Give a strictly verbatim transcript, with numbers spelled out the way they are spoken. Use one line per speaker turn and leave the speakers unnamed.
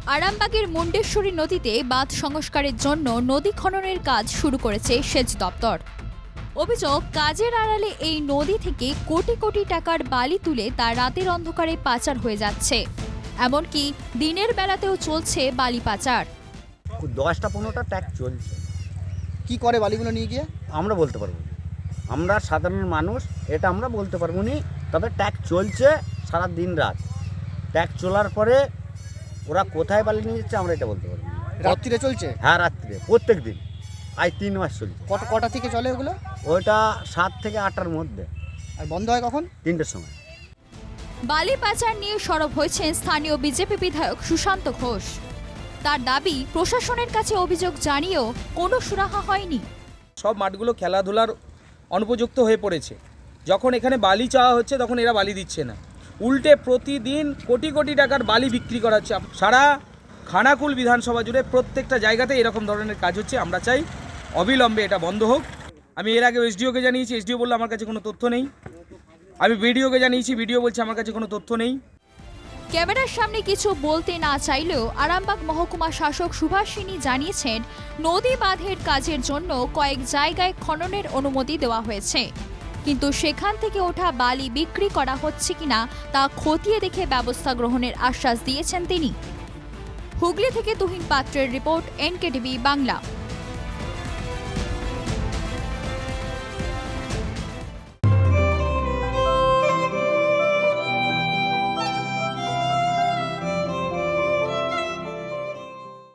আরামবাগের মুন্ডেশ্বরী নদীতে বাঁধ সংস্কারের জন্য নদী খননের কাজ শুরু করেছে সেচ দপ্তর। অভিযোগ, কাজের আড়ালে এই নদী থেকে কোটি কোটি টাকার বালি তুলে তা রাতের অন্ধকারে পাচার হয়ে যাচ্ছে। এমনকি দিনের বেলাতেও চলছে বালি পাচার।
দশটা পনেরোটা ট্যাগ চলছে।
কি করে বালিগুলো নিয়ে গিয়ে?
আমরা বলতে পারবো না, আমরা সাধারণ মানুষ, এটা আমরা বলতে পারবো না। তবে ট্যাগ চলছে সারা দিন রাত। ট্যাগ চলার পরে ওরা কোথায় বালি নিয়ে যাচ্ছে আমরা এটা বলতে পারবো না।
রাত্রিরে চলছে?
হ্যাঁ, রাত্রিরে প্রত্যেক দিন, আজ তিন মাস চলছে।
কটা কটা থেকে চলে ওগুলো?
ওইটা সাত থেকে আটটার মধ্যে।
আর বন্ধ হয় কখন?
তিনটের সময়।
বালি পাচার নিয়ে সরব হয়েছেন স্থানীয় বিজেপি বিধায়ক সুশান্ত ঘোষ। তার দাবি, প্রশাসনের কাছে অভিযোগ জানিয়েও কোনো সুরাহা হয়নি।
সব মাঠগুলো খেলাধুলার অনুপযুক্ত হয়ে পড়েছে। যখন এখানে বালি চাওয়া হচ্ছে তখন এরা বালি দিচ্ছে না, উল্টে প্রতিদিন কোটি কোটি টাকার বালি বিক্রি করা হচ্ছে। সারা খানাকুল বিধানসভা জুড়ে প্রত্যেকটা জায়গাতে এরকম ধরনের কাজ হচ্ছে। আমরা চাই অবিলম্বে এটা বন্ধ হোক। আমি এর আগে এসডিওকে জানিয়েছি, এসডিও বললো আমার কাছে কোনো তথ্য নেই। আমি ভিডিওকে জানিয়েছি, ভিডিও বলছে আমার কাছে কোনো তথ্য নেই।
ক্যামেরার সামনে কিছু বলতে না চাইলেও আরামবাগ মহকুমা শাসক সুভাষিনী জানিয়েছেন, নদী বাঁধের কাজের জন্য কয়েক জায়গায় খননের অনুমতি দেওয়া হয়েছে, কিন্তু সেখান থেকে ওঠা বালি বিক্রি করা হচ্ছে কিনা তা খতিয়ে দেখে ব্যবস্থা গ্রহণের আশ্বাস দিয়েছেন তিনি। হুগলি থেকে তুহিন পাত্রের রিপোর্ট, এনকেটিভি বাংলা।